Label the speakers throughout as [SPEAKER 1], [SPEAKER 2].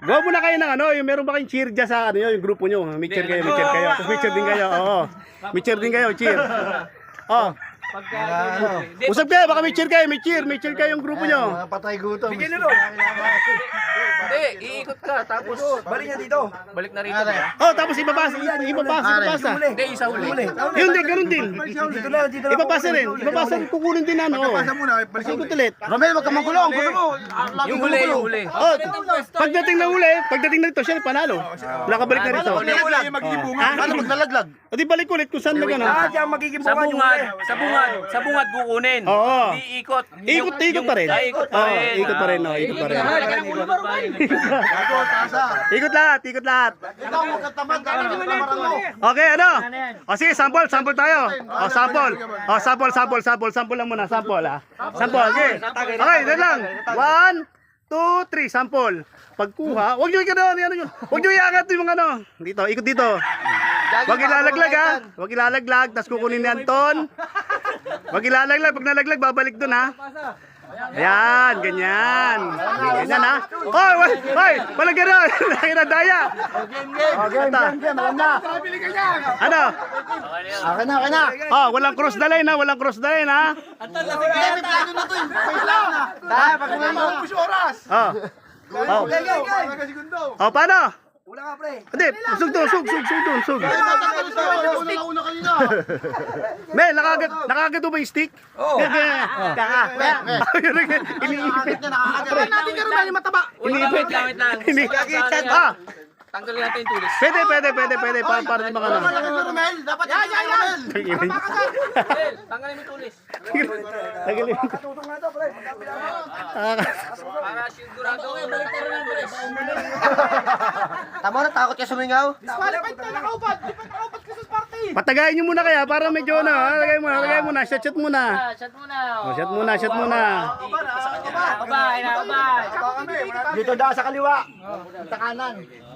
[SPEAKER 1] Gawa muna kayo ng ano, yung meron ba kayong cheer dyan sa ano yun, yung grupo nyo. May cheer kayo, may cheer kayo. Tapos may cheer din kayo, oo. May cheer din kayo, cheer. Oh. Usap kayo, baka may cheer kayo, may cheer kayo yung grupo nyo.
[SPEAKER 2] Patay gutom.
[SPEAKER 3] Bigyan nyo. Hindi, iikot ka, tapos balik niya dito. Balik na rito.
[SPEAKER 1] Oh, tapos ibabasa.
[SPEAKER 3] Hindi, isa huli.
[SPEAKER 1] Yun din, ganun din.
[SPEAKER 3] Dito lang, dito lang.
[SPEAKER 1] Ibabasa rin, kukunin din ano.
[SPEAKER 2] Pagkapasa muna, balikin
[SPEAKER 1] Ikot ulit.
[SPEAKER 2] Romel, wag ka mangkulong. Gusto mo.
[SPEAKER 3] Yung huli.
[SPEAKER 1] Oh, pagdating na ito, siya panalo. Nakabalik na rito.
[SPEAKER 2] Magiging bunga. Paano maglalaglag?
[SPEAKER 1] O di balik ulit kung saan na gano'n.
[SPEAKER 3] Diyan magiging bunga yung huli. Sa bungad kukunin.
[SPEAKER 1] Oo.
[SPEAKER 3] Di ikot.
[SPEAKER 1] Ikot pa rin.
[SPEAKER 3] Ikot pa rin.
[SPEAKER 1] Ikot pa rin.
[SPEAKER 2] Gago, tasa.
[SPEAKER 1] Ikot lahat.
[SPEAKER 2] Ikaw, huwag ka tamad. Tamaran mo.
[SPEAKER 1] Okay, ano? O sige, sample tayo. O, sample lang muna, sample ah. Sample, okay. Okay, dyan lang. 1, 2, 3, sample. Pagkuha, huwag nyo huwag nyo iangat yung mga ano. Dito, ikot dito. Huwag ilalaglag ha. Huwag ilalaglag, tapos kukunin yan ton. Huwag ilalaglag, pag nalaglag, babalik dun ha. Ayan, ganyan. Ganyan ha. Oh, walang gano'n. Nakinadaya.
[SPEAKER 2] Game, alam na.
[SPEAKER 1] Ano?
[SPEAKER 2] Okay na.
[SPEAKER 1] Oh, walang cross the line ha, walang cross the line ha.
[SPEAKER 2] May plano na to. Tayo, pag umalis oras.
[SPEAKER 1] Oh. Oh, paano?
[SPEAKER 3] Wala ka, pre.
[SPEAKER 1] Hindi, sug.
[SPEAKER 2] Una kanina.
[SPEAKER 1] Mel, nakakagat mo ba yung stick?
[SPEAKER 3] Oo.
[SPEAKER 1] Iniipit.
[SPEAKER 2] Natin ka rin mataba.
[SPEAKER 1] Iniipit.
[SPEAKER 3] Iniipit.
[SPEAKER 1] Ah,
[SPEAKER 3] Tanggalin natin yung tulis.
[SPEAKER 1] pwede. Para di mga ano.
[SPEAKER 2] Romel, dapat Romel.
[SPEAKER 3] Tanggalin mo yung tulis.
[SPEAKER 1] Tagalin.
[SPEAKER 3] Para sigurado.
[SPEAKER 2] Tama na, takot ka sumingaw.
[SPEAKER 1] Patagayin nyo muna kaya para medyo ano. Lagay muna. Shot muna. Oh, shot muna.
[SPEAKER 2] Dito daw sa kaliwa. Sa kanan.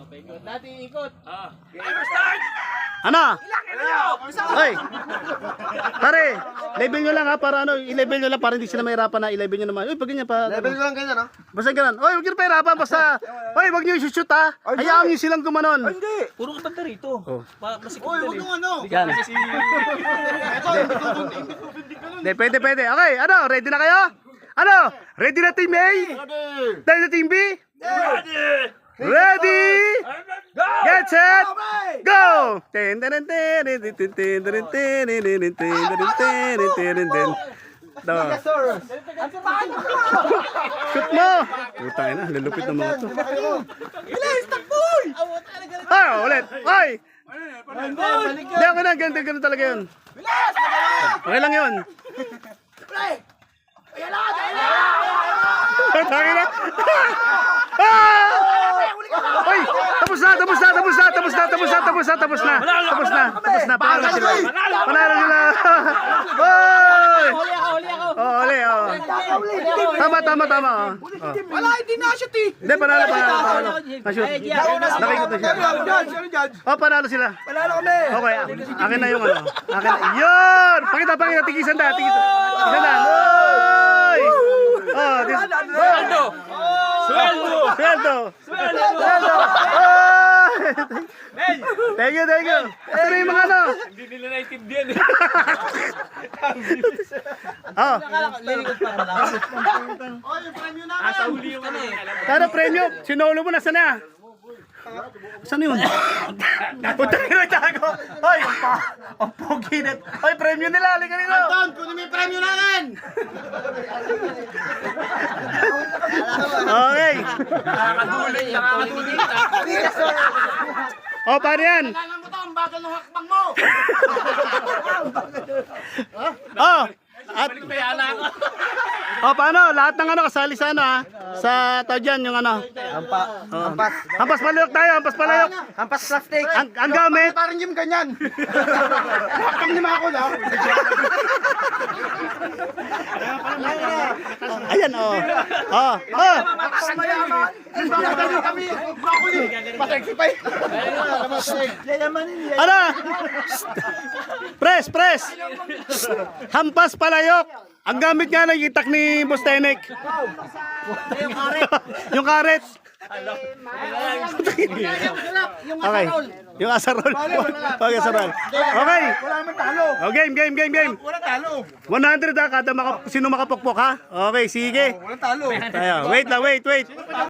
[SPEAKER 1] Ano? Hoy. Pare, level nyo lang ha para ano, i-level nyo lang para hindi sila mahirapan na i-level nyo naman. Uy, pag ganyan pa.
[SPEAKER 2] Level ko lang ganyan, no?
[SPEAKER 1] Basta ganun. Oy, huwag nyo na pahirapan basta. Oy, huwag nyo i-shoot ha. Hayaan nyo silang gumanon.
[SPEAKER 2] Hindi.
[SPEAKER 3] Puro ka banda rito.
[SPEAKER 2] Uy, huwag nung ano.
[SPEAKER 1] Yan. Hindi, pwede. Okay, ano, ready na kayo? Ano? Ready na Team A? Ready na Team B? Ready? Get set! Go! Shoot mo! Putang ina, lulupit ng mga to.
[SPEAKER 2] Bilis, takboy!
[SPEAKER 1] Ah, ulit. Ay! Hindi, okay na. Ganun talaga yun. Okay lang yun. Tangin na. Ay! Tapos na. Panalo sila. Oy! Oh, uli. Tama.
[SPEAKER 2] Wala, hindi na shoot eh.
[SPEAKER 1] Hindi, panalo. Na-shoot. Nakikot na siya. Oh, panalo sila.
[SPEAKER 3] Panalo kami.
[SPEAKER 1] Okay, akin na yung ano. Akin na. Yun! Pakita. Tigisan na. Oy! Oh, Sweldo! Thank you. Ito na yung mga ano.
[SPEAKER 3] Hindi nila naiintindihan eh.
[SPEAKER 1] Oh,
[SPEAKER 3] Asa huli yung ano eh.
[SPEAKER 1] kano premyo? Sinolo mo, nasa na? Saan yun? Punta ka na tago. Hoy, ang pogi na. Hoy, premyo nila. Halika nila.
[SPEAKER 2] Anton, kunin mo yung premyo namin!
[SPEAKER 1] Okay.
[SPEAKER 3] Nakakadulit.
[SPEAKER 1] Oh, paano yan?
[SPEAKER 2] Kailangan mo to, ang bagal ng hakbang mo!
[SPEAKER 1] Oh, paano? Lahat ng ano kasali sa ano ha? Sa tao dyan, yung ano? Hampas palayok tayo,
[SPEAKER 2] Hampas plastic!
[SPEAKER 1] Ang gamit.
[SPEAKER 2] Parang yung ganyan! Hakbang ni Mako lang!
[SPEAKER 1] Ayan, oh.
[SPEAKER 2] Mayaman! Bakit kami? Broccoli! Masexy pa eh!
[SPEAKER 1] Ano? Press! Hampas palayok. Ang gamit nga ng itak ni Boss Tenek. Yung karet. Okay. Yung asarol. Okay, asarol. Okay.
[SPEAKER 2] Wala naman talo.
[SPEAKER 1] Oh, game.
[SPEAKER 2] Wala talo.
[SPEAKER 1] 100 ha, kada sino makapokpok ha? Okay, sige.
[SPEAKER 2] Wala talo.
[SPEAKER 1] Tayo. Wait lang, wait.